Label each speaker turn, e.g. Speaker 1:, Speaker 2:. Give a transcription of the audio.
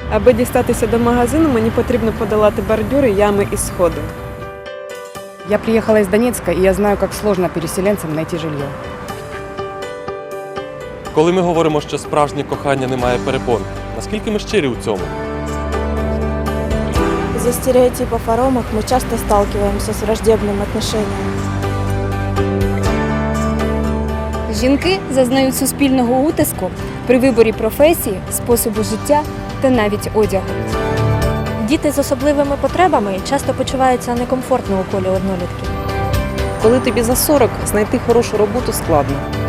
Speaker 1: Аби дістатися до магазину, мені потрібно подолати бордюри, ями і сходи.
Speaker 2: Я приехала из Донецка, и я знаю, как сложно переселенцам найти жилье.
Speaker 3: Коли ми говоримо, що справжнє кохання не має перепон, наскільки ми щирі у цьому?
Speaker 4: Из-за стереотипов о ромах мы часто сталкиваемся с враждебным отношением.
Speaker 5: Жінки зазнають суспільного утиску при виборі професії, способу життя та навіть одягу.
Speaker 6: Діти з особливими потребами часто почуваються некомфортно у колі однолітків.
Speaker 7: Коли тобі за 40, знайти хорошу роботу складно.